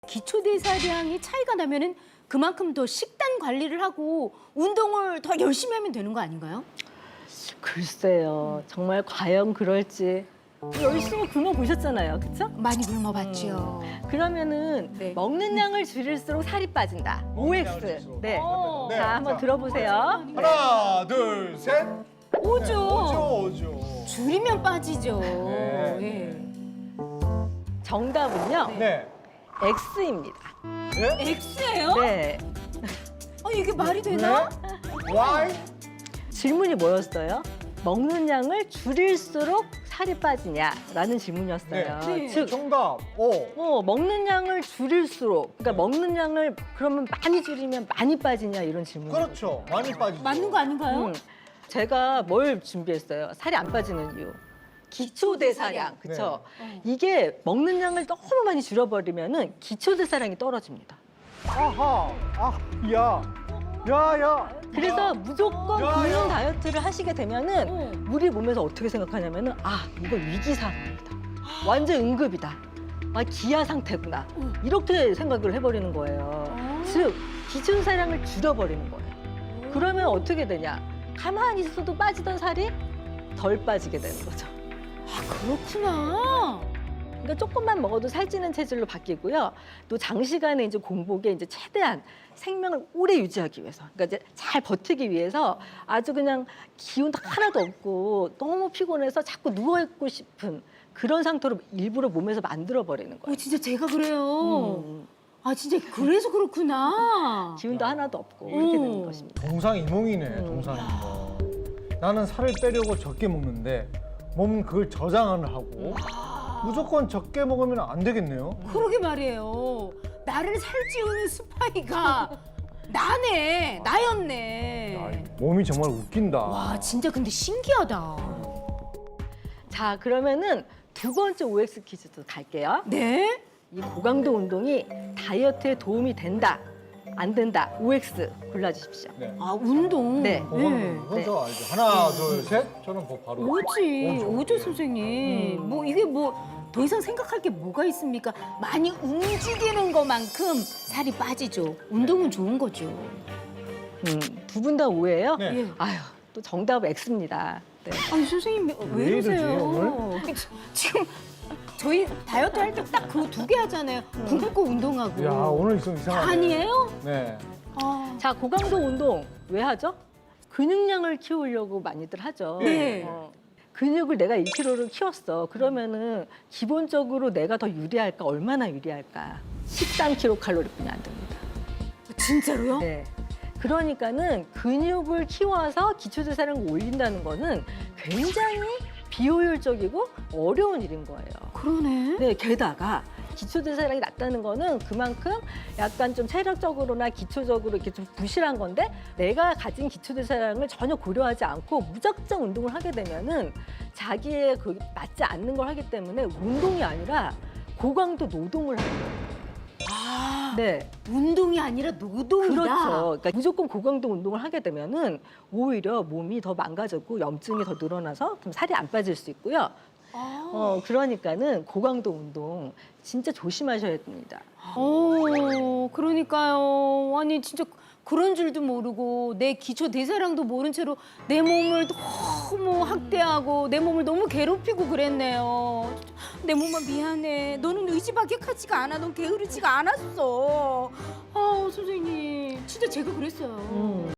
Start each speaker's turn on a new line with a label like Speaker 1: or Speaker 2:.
Speaker 1: 기초대사량이 차이가 나면은 그만큼 더 식단 관리를 하고 운동을 더 열심히 하면 되는 거 아닌가요?
Speaker 2: 글쎄요. 정말 과연 그럴지. 열심히 굶어 보셨잖아요. 그렇죠?
Speaker 1: 많이 굶어봤죠.
Speaker 2: 그러면은
Speaker 1: 네.
Speaker 2: 먹는 양을 줄일수록 살이 빠진다. OX. 네.
Speaker 1: 어.
Speaker 3: 네.
Speaker 2: 자, 한번
Speaker 3: 자.
Speaker 2: 들어보세요.
Speaker 3: 하나, 둘, 셋.
Speaker 1: 오죠.
Speaker 3: 오죠.
Speaker 1: 줄이면 빠지죠.
Speaker 3: 네.
Speaker 1: 예.
Speaker 2: 정답은요.
Speaker 3: 네.
Speaker 2: X입니다.
Speaker 3: 네?
Speaker 1: X예요?
Speaker 2: 네.
Speaker 1: 이게 말이 되나?
Speaker 3: Y.
Speaker 2: 질문이 뭐였어요? 먹는 양을 줄일수록 살이 빠지냐라는 질문이었어요.
Speaker 1: 네.
Speaker 2: 즉,
Speaker 3: 정답. O.
Speaker 2: 먹는 양을 줄일수록, 그러니까 먹는 양을 그러면 많이 줄이면 많이 빠지냐 이런 질문.
Speaker 3: 그렇죠. 많이 빠지죠.
Speaker 1: 맞는 거 아닌가요?
Speaker 2: 제가 뭘 준비했어요? 살이 안 빠지는 이유. 기초대사량, 그렇죠? 이게 먹는 양을 너무 많이 줄여버리면은 기초대사량이 떨어집니다.
Speaker 3: 아하. 아, 야. 야, 야.
Speaker 2: 그래서 무조건
Speaker 3: 야,
Speaker 2: 굶는
Speaker 3: 야.
Speaker 2: 다이어트를 하시게 되면은 우리 몸에서 어떻게 생각하냐면은 이거 위기 상황이다. 완전 응급이다. 기아 상태구나. 이렇게 생각을 해버리는 거예요. 즉 기초대사량을 줄여버리는 거예요. 그러면 어떻게 되냐? 가만히 있어도 빠지던 살이 덜 빠지게 되는 거죠.
Speaker 1: 그렇구나.
Speaker 2: 그러니까 조금만 먹어도 살찌는 체질로 바뀌고요. 또 장시간의 이제 공복에 이제 최대한 생명을 오래 유지하기 위해서, 그러니까 이제 잘 버티기 위해서 아주 그냥 기운도 하나도 없고 너무 피곤해서 자꾸 누워 있고 싶은 그런 상태로 일부러 몸에서 만들어 버리는 거예요.
Speaker 1: 진짜 제가 그래요.
Speaker 2: 음,
Speaker 1: 진짜 그래서 그렇구나.
Speaker 2: 기운도 하나도 없고 이렇게 되는 것입니다.
Speaker 3: 동상이몽이네, 동상이몽. 나는 살을 빼려고 적게 먹는데 몸은 그걸 저장을 하고 무조건 적게 먹으면 안 되겠네요.
Speaker 1: 그러게 말이에요. 나를 살찌우는 스파이가 나였네.
Speaker 3: 몸이 정말 웃긴다.
Speaker 1: 와, 진짜 근데 신기하다.
Speaker 2: 자, 그러면은 두 번째 OX 퀴즈도 갈게요.
Speaker 1: 네?
Speaker 2: 이 고강도 운동이 다이어트에 도움이 된다, 안 된다, OX 골라주십시오.
Speaker 3: 네.
Speaker 1: 운동.
Speaker 2: 네.
Speaker 3: 이건 저 알죠. 하나, 둘, 셋. 저는 뭐 바로.
Speaker 1: 오지, 오죠 선생님. 이게 더 이상 생각할 게 뭐가 있습니까? 많이 움직이는 것만큼 살이 빠지죠. 운동은 좋은 거죠.
Speaker 2: 두 분 다 오해예요?
Speaker 3: 네.
Speaker 1: 예.
Speaker 2: 또 정답 X입니다. 네.
Speaker 1: 선생님 왜
Speaker 3: 왜 이러지,
Speaker 1: 이러세요? 지금 저희 다이어트 할 때 딱 그 두 개 하잖아요. 굶고 운동하고.
Speaker 3: 야, 오늘 좀 이상하네.
Speaker 1: 아니에요?
Speaker 3: 네.
Speaker 2: 자, 고강도 운동 왜 하죠? 근육량을 키우려고 많이들 하죠.
Speaker 1: 네.
Speaker 2: 근육을 내가 1kg를 키웠어. 그러면은 기본적으로 내가 더 유리할까? 얼마나 유리할까? 13kcal뿐이 안 됩니다.
Speaker 1: 진짜로요?
Speaker 2: 네. 그러니까는 근육을 키워서 기초대사량을 올린다는 거는 굉장히 비효율적이고 어려운 일인 거예요.
Speaker 1: 그러네.
Speaker 2: 네, 게다가 기초대사량이 낮다는 거는 그만큼 약간 좀 체력적으로나 기초적으로 이렇게 좀 부실한 건데 내가 가진 기초대사량을 전혀 고려하지 않고 무작정 운동을 하게 되면은 자기의 그 맞지 않는 걸 하기 때문에 운동이 아니라 고강도 노동을 하는 거예요. 네.
Speaker 1: 운동이 아니라 노동이다.
Speaker 2: 그렇죠. 그러니까 무조건 고강도 운동을 하게 되면은 오히려 몸이 더 망가졌고 염증이 더 늘어나서 그럼 살이 안 빠질 수 있고요. 그러니까는 고강도 운동 진짜 조심하셔야 됩니다.
Speaker 1: 그러니까요. 아니 진짜 그런 줄도 모르고 내 기초 대사량도 모른 채로 내 몸을 너무 학대하고 내 몸을 너무 괴롭히고 그랬네요. 내 몸아 미안해. 너는 의지박약하지가 않아. 넌 게으르지가 않았어. 선생님 진짜 제가 그랬어요.